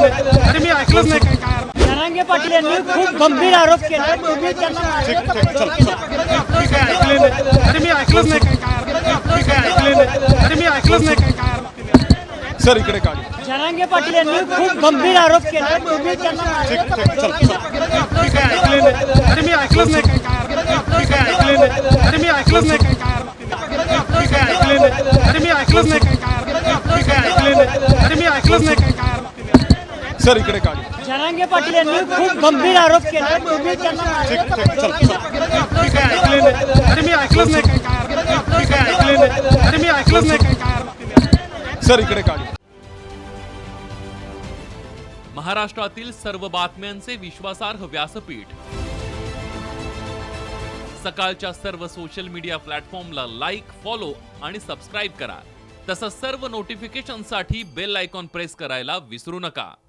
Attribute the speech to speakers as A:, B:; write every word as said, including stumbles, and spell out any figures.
A: नाही. अरे मी ऐकलंच नाही काय काय
B: जरांगे पाटील यांनी खूप गंभीर आरोप केला. तुम्ही त्यांना
A: ठीक ठीक चल चल मी काय ऐकले नाही. अरे मी ऐकलंच नाही काय काय मी काय ऐकले नाही. अरे मी ऐकलंच नाही काय काय सर इकडे काढ.
B: जरांगे पाटील यांनी खूप गंभीर आरोप केला. तुम्ही त्यांना
A: ठीक ठीक चल चल मी काय ऐकले नाही. अरे मी ऐकलंच नाही काय काय मी काय ऐकले नाही. अरे मी ऐकलंच नाही काय काय मी काय ऐकले नाही. अरे मी ऐकलंच नाही काय काय मी काय ऐकले नाही. अरे मी ऐकलंच नाही काय काय सर इकडे काढ.
B: जरांगे पाटील यांनी खूप गंभीर आरोप केला. तुम्ही त्यांना
A: ठीक ठीक चल चल मी काय ऐकले नाही. अरे मी ऐकलंच नाही काय काय मी काय ऐकले नाही. अरे मी ऐकलंच नाही काय काय सर इकडे काढ.
C: महाराष्ट्रातील सर्व बातम्यांचे विश्वासार्ह व्यासपीठ सकाळच्या सर्व सोशल मीडिया प्लॅटफॉर्मला लाईक, फॉलो आणि सबस्क्राईब करा. तसंच सर्व नोटिफिकेशनसाठी बेल आयकॉन प्रेस करायला विसरू नका.